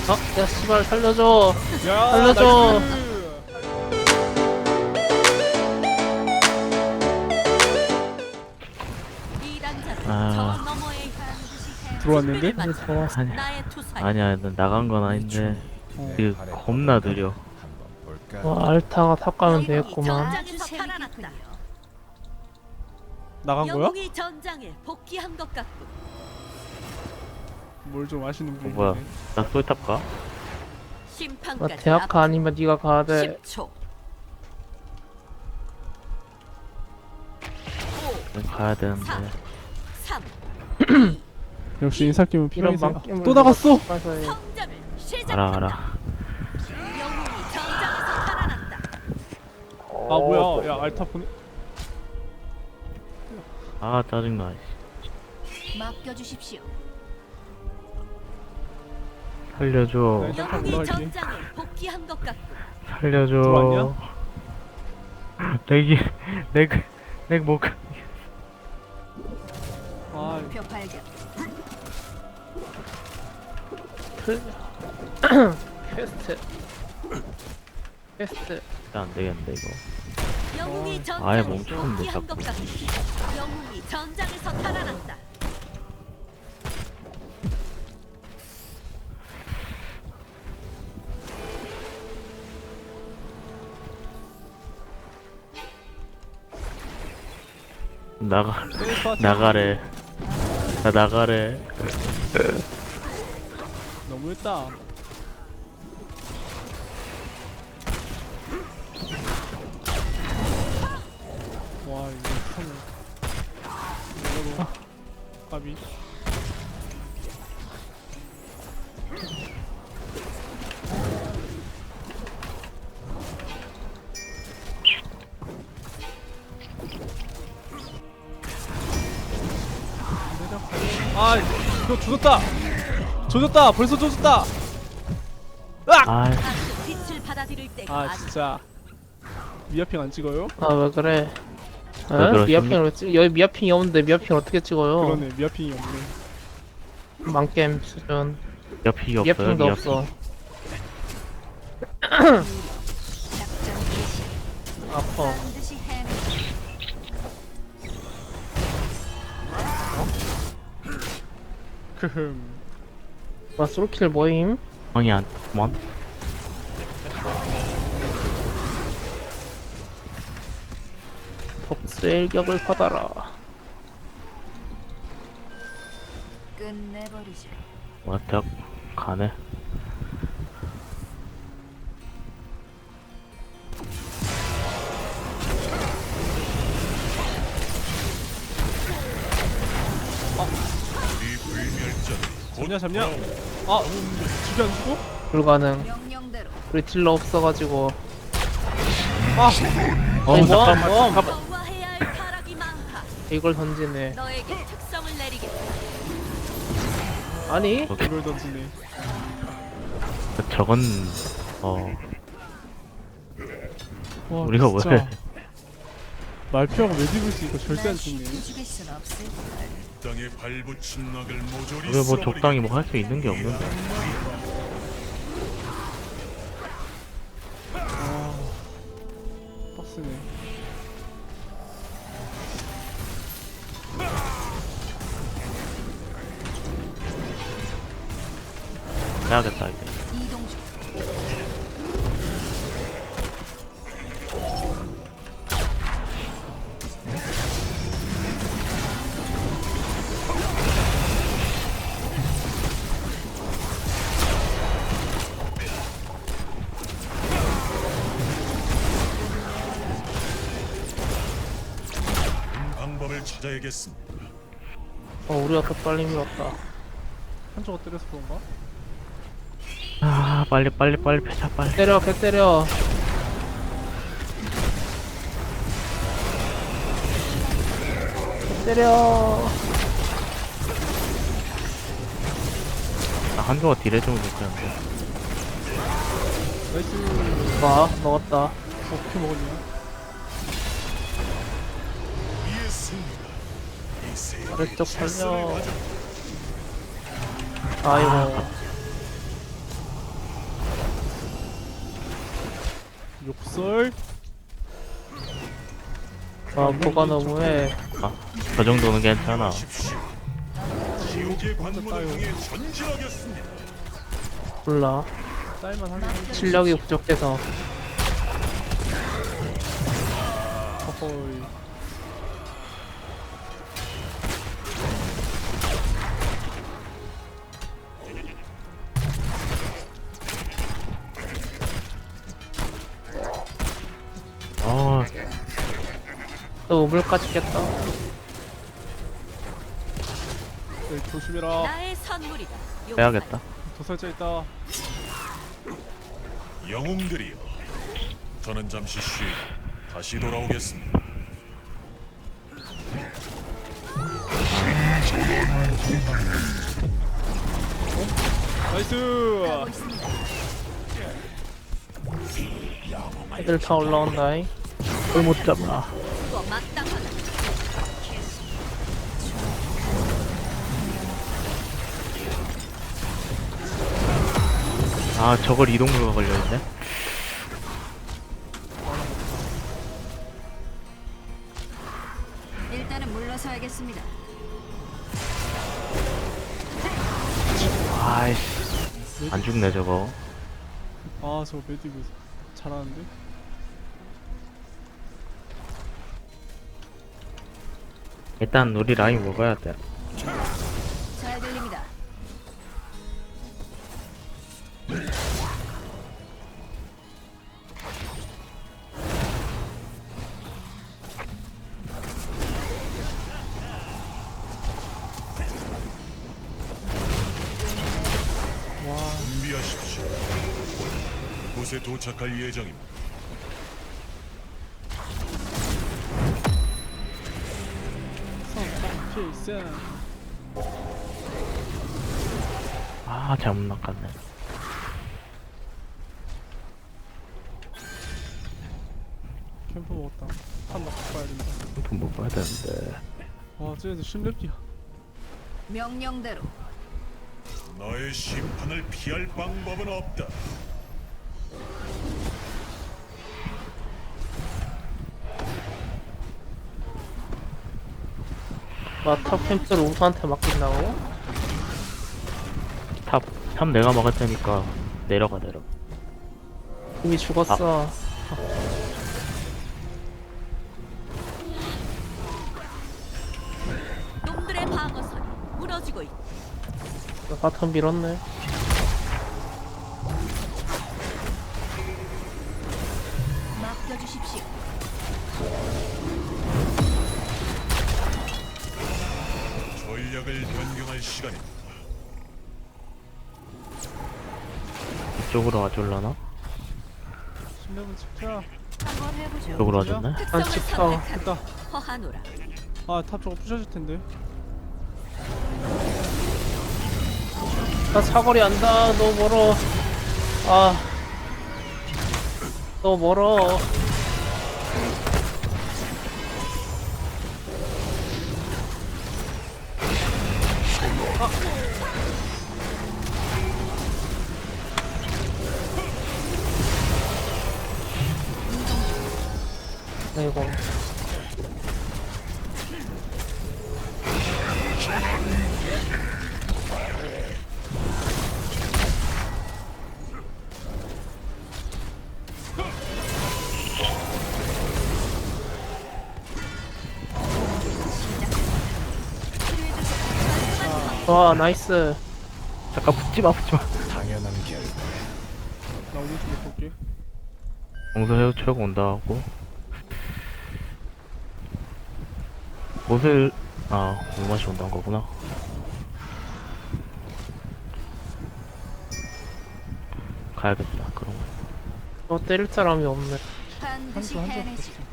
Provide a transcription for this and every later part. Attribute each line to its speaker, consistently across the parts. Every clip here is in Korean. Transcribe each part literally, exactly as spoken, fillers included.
Speaker 1: 어? 야 씨발 살려줘.
Speaker 2: 야,
Speaker 1: 살려줘.
Speaker 2: 나이스.
Speaker 3: 아,
Speaker 2: 들어왔는데?
Speaker 1: 아니야.
Speaker 3: 아니야, 난 나간 건 아닌데
Speaker 2: 어.
Speaker 3: 그 겁나 느려.
Speaker 1: 와 알타가 탑 가면 되겠구만.
Speaker 2: 나간 거야?
Speaker 4: 영웅이 전장에 복귀한 것 같고
Speaker 2: 뭘 좀 아시는
Speaker 3: 어,
Speaker 2: 분이네.
Speaker 3: 뭐야? 나 솔탑 가?
Speaker 1: 나
Speaker 4: 심판까지
Speaker 1: 대학가 아니면 네가 가야 돼.
Speaker 4: 십 초.
Speaker 3: 난 가야 되는데.
Speaker 4: 삼.
Speaker 2: 역시 인사팀은
Speaker 1: 이런
Speaker 2: 필요해서.
Speaker 1: 망겜을
Speaker 2: 또 나갔어.
Speaker 1: 가서 해.
Speaker 4: 성장을 시작한다.
Speaker 3: 알아 알아.
Speaker 4: 영웅이 전장에서 살아났다.
Speaker 2: 아 뭐야? 야 알타 보내.
Speaker 3: 아 짜증나.
Speaker 4: 맡겨주십시오.
Speaker 3: 살려줘.
Speaker 2: 네. 잠깐
Speaker 4: 영웅이
Speaker 2: 올라갈게.
Speaker 4: 전장에 복귀한 것 같고
Speaker 3: 살려줘.
Speaker 2: 들어왔냐?
Speaker 3: 렉이 렉렉 못.
Speaker 2: 아
Speaker 4: 표 발견.
Speaker 1: 퀘스트. 퀘스트.
Speaker 3: 안 되겠는데 이거.
Speaker 4: 영웅이
Speaker 2: 어.
Speaker 4: 전장에
Speaker 3: 아예 멈추는데,
Speaker 4: 복귀한 것
Speaker 3: 자꾸.
Speaker 4: 같고 영웅이 전장에서 살아났다.
Speaker 3: 나가
Speaker 2: 셀프
Speaker 3: 나가래. 나 나가래.
Speaker 2: 너무했다. 와 이거 참. 이거로 까비. 아 이거 조졌다. 조졌다. 벌써 조졌다. 으악!
Speaker 3: 아
Speaker 4: 다시 빛을 받아들일 때가
Speaker 2: 아
Speaker 4: 아니다.
Speaker 2: 진짜 미아핑 안 찍어요?
Speaker 1: 아 왜 그래?
Speaker 3: 왜
Speaker 1: 에?
Speaker 3: 그러십니까?
Speaker 1: 미아핑을 왜 찍? 여기 미아핑이 없는데 미아핑 어떻게 찍어요?
Speaker 2: 그러네 미아핑이 없네.
Speaker 1: 망겜 수준.
Speaker 3: 옆이 없어요.
Speaker 1: 미아핑도
Speaker 3: 옆이.
Speaker 1: 없어.
Speaker 4: 작전 개시.
Speaker 1: 아파.
Speaker 4: 반드시 해내.
Speaker 2: 크흠.
Speaker 1: 와 솔킬 모임?
Speaker 3: 아니 안. 뭔?
Speaker 1: 복수의 일격을 받아라.
Speaker 4: 끝내버리자.
Speaker 3: 와택 가네.
Speaker 2: 잡냐 잡냐? 아 죽이 안 죽어?
Speaker 1: 불가능.
Speaker 4: 명령대로
Speaker 1: 우리 딜러 없어가지고.
Speaker 2: 아
Speaker 3: 어
Speaker 1: 아니, 뭐?
Speaker 3: 잠깐만.
Speaker 1: 뭐?
Speaker 3: 잠깐만.
Speaker 4: 거와해야 할 타락이 많다.
Speaker 1: 이걸 던지네.
Speaker 4: 너에게 특성을 내리겠다.
Speaker 1: 아니?
Speaker 2: 이걸 던지네.
Speaker 3: 저건 어
Speaker 2: 와,
Speaker 3: 우리가
Speaker 2: 진짜.
Speaker 3: 왜?
Speaker 2: 말피하고 메디블스 이거 절대 안 죽네.
Speaker 4: 죽일 순 없을
Speaker 5: 땅에 발붙인 낙을 모조리
Speaker 3: 우리 뭐 적당히 뭐 할 수 있는 게 없는데.
Speaker 2: 아 빡세네.
Speaker 3: 해야겠다 이제.
Speaker 4: 이동 중.
Speaker 5: 방법을 찾아야겠습니다.
Speaker 1: 어 우리가 더 빨리 밀었다.
Speaker 2: 한조가 때려서 그런가?
Speaker 3: 아 빨리 빨리 빨리 패자 빨리.
Speaker 1: 때려 개 때려. 개 때려.
Speaker 3: 나 한조가 딜 해주면 좋겠는데.
Speaker 2: 나이스.
Speaker 1: 와 먹었다.
Speaker 2: 어떻게 먹었냐?
Speaker 5: 우리의 승리가 이 세계의
Speaker 1: 아래쪽 살려.
Speaker 5: 질서를 가져-
Speaker 1: 아이고.
Speaker 2: 욕설?
Speaker 1: 아 뭐가 너무해.
Speaker 3: 저 정도는 괜찮아.
Speaker 5: 십시오. 지옥의 관문을 향해 전진하겠습니다.
Speaker 1: 몰라.
Speaker 2: 쌀만 하긴
Speaker 1: 실력이 부족해서.
Speaker 2: 허허이.
Speaker 3: 아,
Speaker 1: 또 우물까지 깼다.
Speaker 2: 네, 조심해라.
Speaker 4: 나의 선물이다.
Speaker 3: 빼야겠다.
Speaker 2: 도살자 있다.
Speaker 5: 영웅들이여, 저는 잠시 쉬 다시 돌아오겠습니다.
Speaker 2: 나이스.
Speaker 4: 하고 있습니다.
Speaker 1: 애들 다 올라온다잉.
Speaker 3: 그걸 못 잡아.
Speaker 4: 그거 마땅하다.
Speaker 3: 아, 저걸 이동료가 걸려있네.
Speaker 4: 일단은 물러서야겠습니다.
Speaker 3: 아이씨, 안 죽네 저거.
Speaker 2: 아, 저거 메디브 잘하는데?
Speaker 3: 일단 우리 라인 먹어야 돼.
Speaker 4: 잘 들립니다.
Speaker 5: 준비하십시오. 곳에 도착할 예정입니다.
Speaker 2: 필승.
Speaker 3: 아, 잘못 낚았네.
Speaker 2: 캠프 먹었다. 한 넣고 가야 된다.
Speaker 3: 돈 못 봐야 되는데.
Speaker 2: 와, 쟤네들 심렙기야.
Speaker 4: 명령대로
Speaker 5: 나의 심판을 피할 방법은 없다.
Speaker 1: 마탑 캠프를 우수한테 맡긴다고?
Speaker 3: 탑, 탑 내가 막을 테니까 내려가 내려.
Speaker 1: 이미 죽었어.
Speaker 4: 놈들의 방어선이 무너지고 있다.
Speaker 1: 바텀 밀었네.
Speaker 4: 맡겨주십시오.
Speaker 5: 전략을 변경할 시간입니다.
Speaker 3: 이쪽으로 와줄라나?
Speaker 2: 심렙은 지켜.
Speaker 4: 한번 해보죠.
Speaker 3: 이쪽으로 와줬네?
Speaker 4: 특성을
Speaker 1: 찍혀.
Speaker 4: 선택하라.
Speaker 2: 됐다.
Speaker 4: 허하노라.
Speaker 2: 아, 탑 저거 부셔질 텐데.
Speaker 1: 나 사거리 안다. 너무 멀어. 아. 너무 멀어. 아이고. 와 나이스.
Speaker 3: 잠깐 붙지마 붙지마.
Speaker 2: 나 오른쪽 못 볼게.
Speaker 3: 공수 해우처럼 온다 하고. 못을, 아, 공맛이 온다는 거구나. 가야겠다, 그럼.
Speaker 1: 어 때릴 사람이 없네.
Speaker 4: 반드시
Speaker 2: 한조 한조
Speaker 4: 해내지.
Speaker 2: 됐어.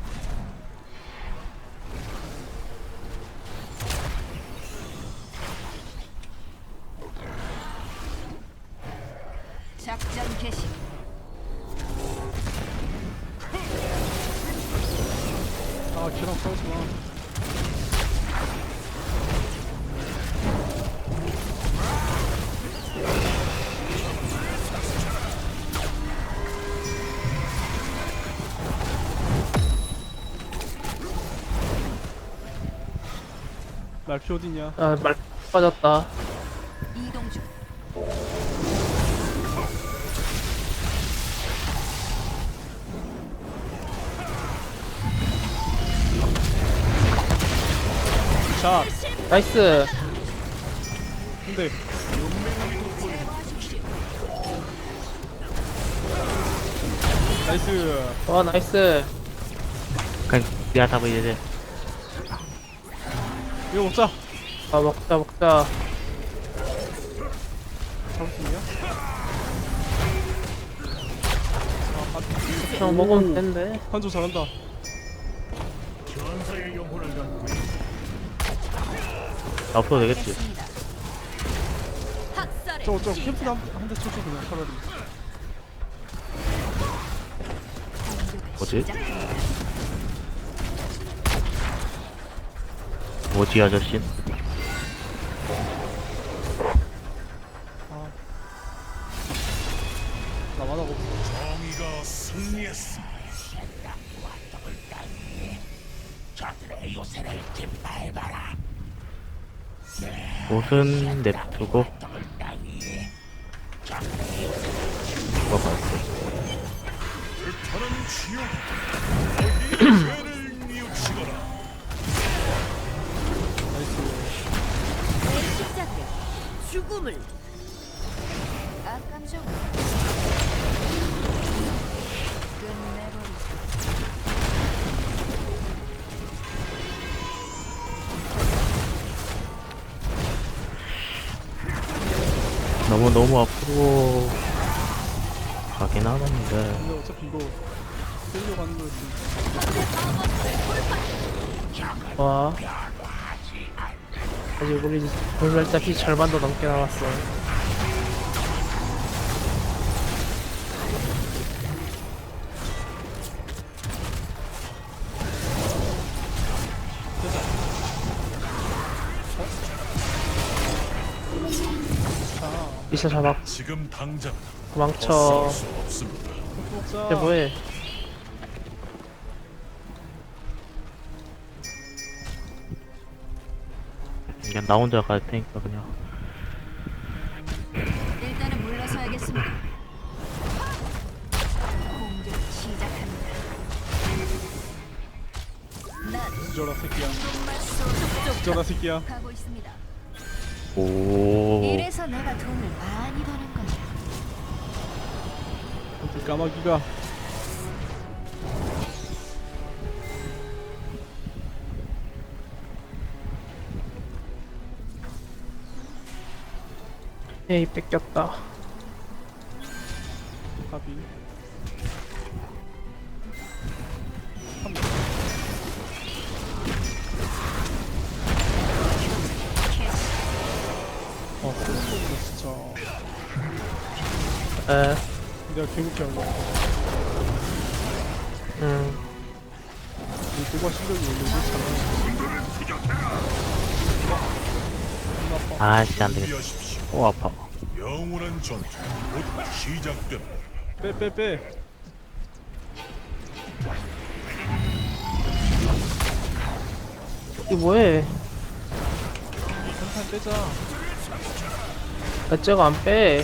Speaker 4: 작전 개시.
Speaker 2: 아, 걔랑 싸우지 마. 말피 어디냐?
Speaker 1: 아, 말 빠졌다.
Speaker 4: 이동 중.
Speaker 2: 자,
Speaker 1: 나이스.
Speaker 2: 근데 나이스.
Speaker 1: 와, 나이스.
Speaker 3: 그냥 내가 잡아야 돼.
Speaker 2: 이거 먹자.
Speaker 1: 아, 먹자, 먹자.
Speaker 2: 잡을 수 있냐? 아, 한-
Speaker 1: 그냥 먹으면 된대.
Speaker 2: 한조 잘한다.
Speaker 3: 앞으로 되겠지.
Speaker 4: 됐습니다. 학살의
Speaker 2: 저거 저
Speaker 4: 시작.
Speaker 2: 캠프 한대 쳐줘 그냥 차라리.
Speaker 3: 뭐지? 뭐지 아저씨?
Speaker 2: 아, 나만 하고 없어.
Speaker 5: 정의가 승리했습니다.
Speaker 3: 옷은 냅두고 이거 봤어.
Speaker 5: 불타는 지옥 어디에 죄를 뉘우치거라.
Speaker 2: 나이스.
Speaker 4: 내 십자가에 죽음을. 아 깜짝. 끝내버리자.
Speaker 3: 너무 너무 앞으로 가긴 하는데
Speaker 2: 근데 어차피 이거 끌려고 하는 거였지.
Speaker 1: 와. 아직 우리 골멸자 피 절반도 넘게 남았어.
Speaker 2: 자,
Speaker 1: 미쳐 잡았.
Speaker 5: 지금 당장
Speaker 1: 도망쳐.
Speaker 5: 헛쓸 수 없습니다.
Speaker 2: 캠프 먹자.
Speaker 1: 쟤 뭐해?
Speaker 3: 그냥 나 혼자 갈 테니까 그냥.
Speaker 4: 일단은 물러서야겠습니다. 공격 시작합니다. 난
Speaker 2: 뒤져라 새끼야.
Speaker 4: 정말 쏙쏙
Speaker 2: 뒤져라 새끼야.
Speaker 4: 가고 있습니다.
Speaker 3: 오.
Speaker 4: 이래서 내가 돈을 많이 버는 거야.
Speaker 2: 근데 까마귀가
Speaker 1: 에이, 뺏겼다.
Speaker 2: 합이. 어, 소름돋네 진짜.
Speaker 1: 에,
Speaker 2: 내가 개국해 한 거.
Speaker 1: 음.
Speaker 2: 이 도과 실력이 원래 이렇지 않아.
Speaker 3: 아씨 안 되겠다.
Speaker 5: 준비하십시오.
Speaker 3: 오 아파.
Speaker 5: 영원한 전투 곧 시작됩니다.
Speaker 2: 빼, 빼, 빼.
Speaker 1: 이 뭐해?
Speaker 2: 한판 빼자.
Speaker 1: 나 저거 안 빼.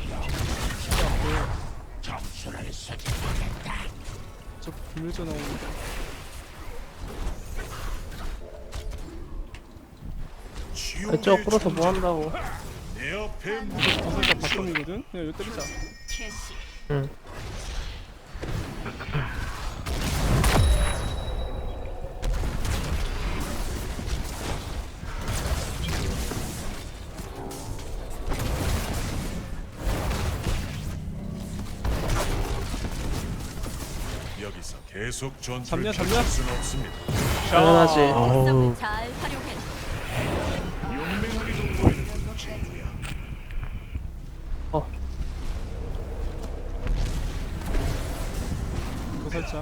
Speaker 2: 저 비밀자 나오는데.
Speaker 1: 나 저거 풀어서 뭐 한다고.
Speaker 5: 내 앞에
Speaker 2: 저 살짝 바텀이거든? 그냥 이거 때리자.
Speaker 4: 캐시.
Speaker 1: 응.
Speaker 5: 여기서 계속 전투를
Speaker 2: 잡냐, 잡냐?
Speaker 5: 펼칠 수는 없습니다.
Speaker 1: 당연하지.
Speaker 3: 어우.
Speaker 4: 썸을 잘 활용해.
Speaker 1: 어,
Speaker 2: 이거 살짝.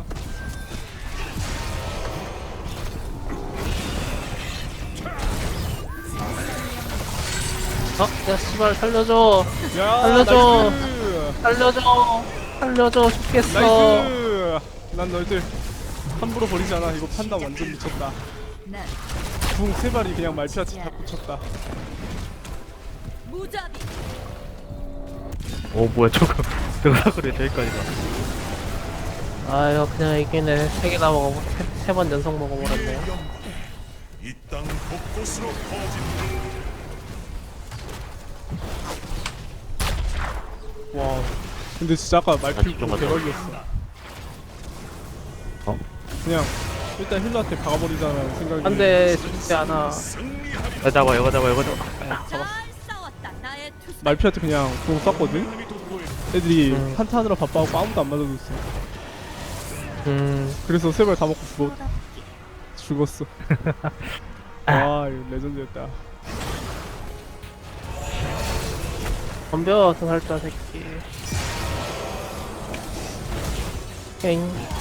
Speaker 1: 어, 야, 씨발, 살려줘.
Speaker 2: 야,
Speaker 1: 알려줘.
Speaker 2: 나이스.
Speaker 1: 살려줘. 살려줘. 죽겠어.
Speaker 2: 나이스. 난 너희들 함부로 버리지 않아. 이거 판단 완전 미쳤다.
Speaker 4: 난
Speaker 2: 궁 세 발이 그냥 말피아치 다 꽂혔다.
Speaker 4: 무자비.
Speaker 3: 오 뭐야 저거 등사거리 저기까지 가.
Speaker 1: 아 이거 그냥 이기네. 세 개나 먹어. 세 번 연속 먹어버렸네요.
Speaker 5: 이 땅 곳곳으로 퍼진다.
Speaker 2: 와. 근데 진짜 아까 말피
Speaker 3: 집중
Speaker 2: 궁
Speaker 3: 갔다
Speaker 2: 대박이었어.
Speaker 3: 어?
Speaker 2: 그냥 일단 힐러한테 박아버리자는 생각이.
Speaker 1: 안돼 죽지 않아.
Speaker 3: 여기 잡아 여기 잡아 여기 잡아.
Speaker 4: 잘 싸웠다. 나의 투수.
Speaker 2: 말피한테 그냥 공 쐈거든? 애들이
Speaker 1: 음.
Speaker 2: 한타하느라 바빠갖고 아무도 안 맞아줬어.
Speaker 1: 음
Speaker 2: 그래서 세 발 다 먹고 죽어, 죽었어. 와 이거 레전드였다.
Speaker 1: 덤벼 등살자 새끼. 엥.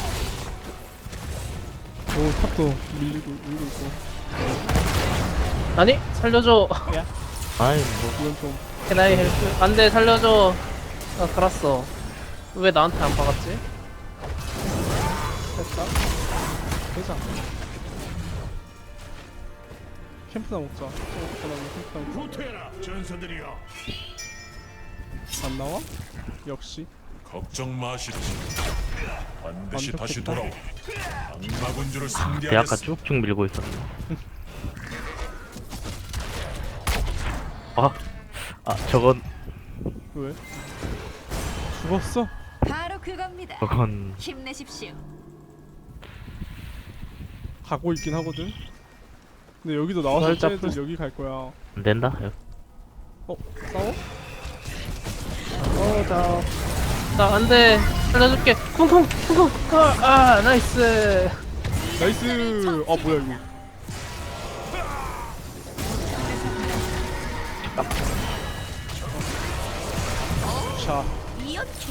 Speaker 2: 오 탑도 밀리고 밀고 있고.
Speaker 1: 아니 살려줘.
Speaker 3: 아이 뭐
Speaker 2: 이건 좀
Speaker 1: 캐나이 헬프. 안돼 살려줘. 나 살았어. 왜 나한테 안 박았지?
Speaker 2: 됐다. 되자. 캠프나 먹자. 저거 먹고 나면 캠프나 먹자.
Speaker 5: 후퇴라 전사들이여.
Speaker 2: 안 나와? 역시.
Speaker 5: 걱정 마시지. 반드시
Speaker 2: 완벽했다.
Speaker 5: 다시 돌아오. 악마군주를
Speaker 3: 내 아까
Speaker 5: 상대하겠어.
Speaker 3: 쭉쭉 밀고 있었네. 아, 아 저건
Speaker 2: 왜? 죽었어?
Speaker 4: 바로 그겁니다.
Speaker 3: 저건
Speaker 4: 힘내십시오.
Speaker 2: 가고 있긴 하거든. 근데 여기도 나와서
Speaker 1: 살짝
Speaker 2: 쟤네들
Speaker 1: 풀-
Speaker 2: 여기 갈 거야.
Speaker 3: 안 된다. 여기.
Speaker 2: 어? 싸워?
Speaker 1: 어자. 나 안돼 살려줄게. 쿵쿵 쿵쿵. 아 나이스.
Speaker 2: 나이스. 아 뭐야 이거? 자,
Speaker 4: 이어키.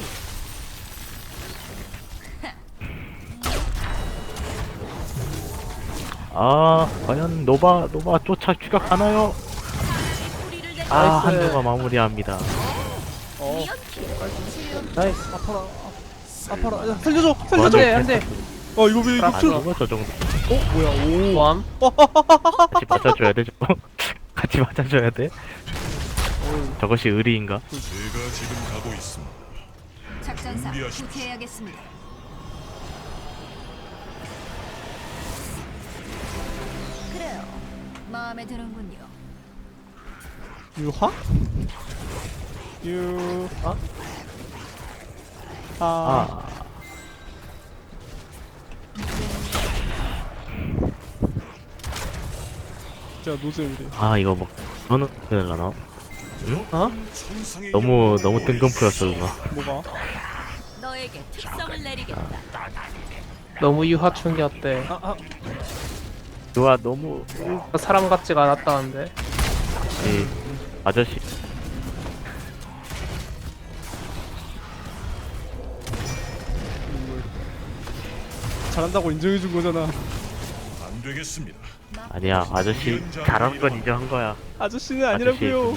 Speaker 3: 아 과연 노바 노바 쫓아 추격하나요?
Speaker 4: 뿌리를 내.
Speaker 3: 아
Speaker 1: 나이스.
Speaker 3: 한조가 마무리합니다.
Speaker 2: 어,
Speaker 4: 이어키.
Speaker 1: 나이스.
Speaker 2: 아파라. 아파라. 야, 살려줘. 살려줘.
Speaker 3: 맞아.
Speaker 1: 안돼 안돼.
Speaker 2: 어 이거 왜 이거
Speaker 3: 안
Speaker 2: 킬?
Speaker 3: 죽어 저 정도.
Speaker 2: 어 뭐야? 오.
Speaker 1: 모함.
Speaker 3: 같이 맞아줘야 돼 저거. 같이 맞아줘야 돼. 저것이 의리인가?
Speaker 5: 제가 지금 가고 있습니다.
Speaker 4: 작전사
Speaker 5: 준비하십시오.
Speaker 4: 후퇴해야겠습니다. 그래요. 마음에 드는군요.
Speaker 2: 유화? 유화? 아.
Speaker 3: 아
Speaker 2: 진짜 노잼이래.
Speaker 3: 아 이거 뭐 너는 되려나?
Speaker 1: 어?
Speaker 5: 천상의
Speaker 3: 너무
Speaker 5: 영광을
Speaker 3: 너무
Speaker 5: 보여주시오.
Speaker 3: 뜬금포였어 누나.
Speaker 2: 뭐가?
Speaker 4: 너에게 특성을 내리겠다.
Speaker 1: 너무 유화충이었대.
Speaker 2: 아, 아.
Speaker 3: 누가 너무
Speaker 1: 사람 같지가 않았다는데.
Speaker 3: 이 아저씨
Speaker 2: 잘한다고 인정해준 거잖아.
Speaker 5: 안 되겠습니다.
Speaker 3: 아니야 아저씨 잘하는 건 인정한 거야.
Speaker 2: 아저씨는 아니라고요.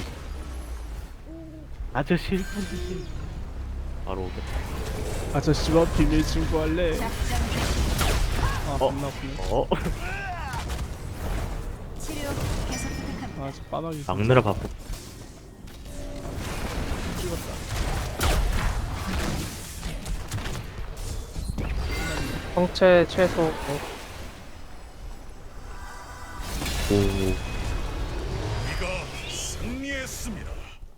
Speaker 3: 아저씨 일 분 바로 오겠다.
Speaker 2: 아저씨와 비밀 친구할래.
Speaker 4: 작전
Speaker 2: 아,
Speaker 3: 어?
Speaker 2: 겁나 아프네.
Speaker 3: 어?
Speaker 4: 치료 계속 부탁합니다.
Speaker 2: 아, 저 빠나기.
Speaker 3: 막느라 바쁘.
Speaker 1: 성체 최소.
Speaker 3: 오
Speaker 5: 우리가 승리했습니다.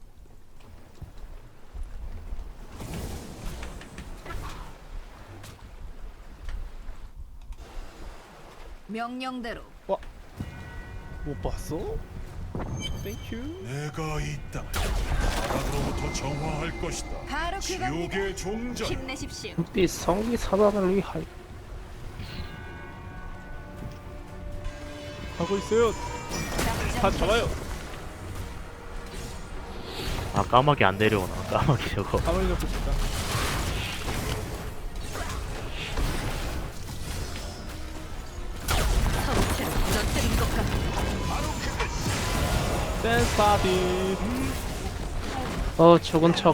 Speaker 4: 명령대로
Speaker 2: 못 봤어? 땡큐.
Speaker 5: 내가 이 땅을 바닥으로부터 정화할 것이다.
Speaker 4: 바로 그겁니다.
Speaker 5: 지옥의 종전.
Speaker 4: 힘내십시오.
Speaker 1: 빛 성기 사단을 위하여.
Speaker 2: 가고 있어요. 다
Speaker 4: 작전
Speaker 2: 잡아요.
Speaker 3: 아 까마귀 안 내려오나 까마귀 저거.
Speaker 2: 가만히 잡고 싶다.
Speaker 4: 성체를 무너뜨린 것 같다.
Speaker 2: 댄스 파티.
Speaker 1: 어 죽은 척.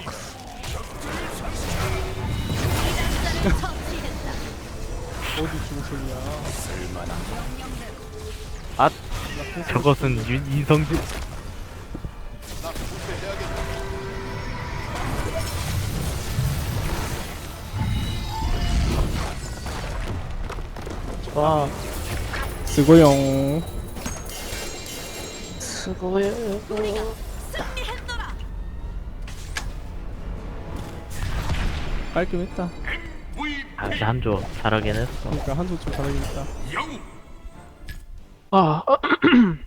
Speaker 2: 어디 중소이야?
Speaker 3: 아 저것은 윤, 인성질.
Speaker 1: 와,
Speaker 2: 쓰고용.
Speaker 1: 수고해.
Speaker 4: 승리했노라.
Speaker 2: 깔끔했다.
Speaker 3: 아, 진짜 한조 잘하긴 했어.
Speaker 2: 그러니까 한조 좀 잘하긴 했다.
Speaker 5: 영웅
Speaker 1: 아,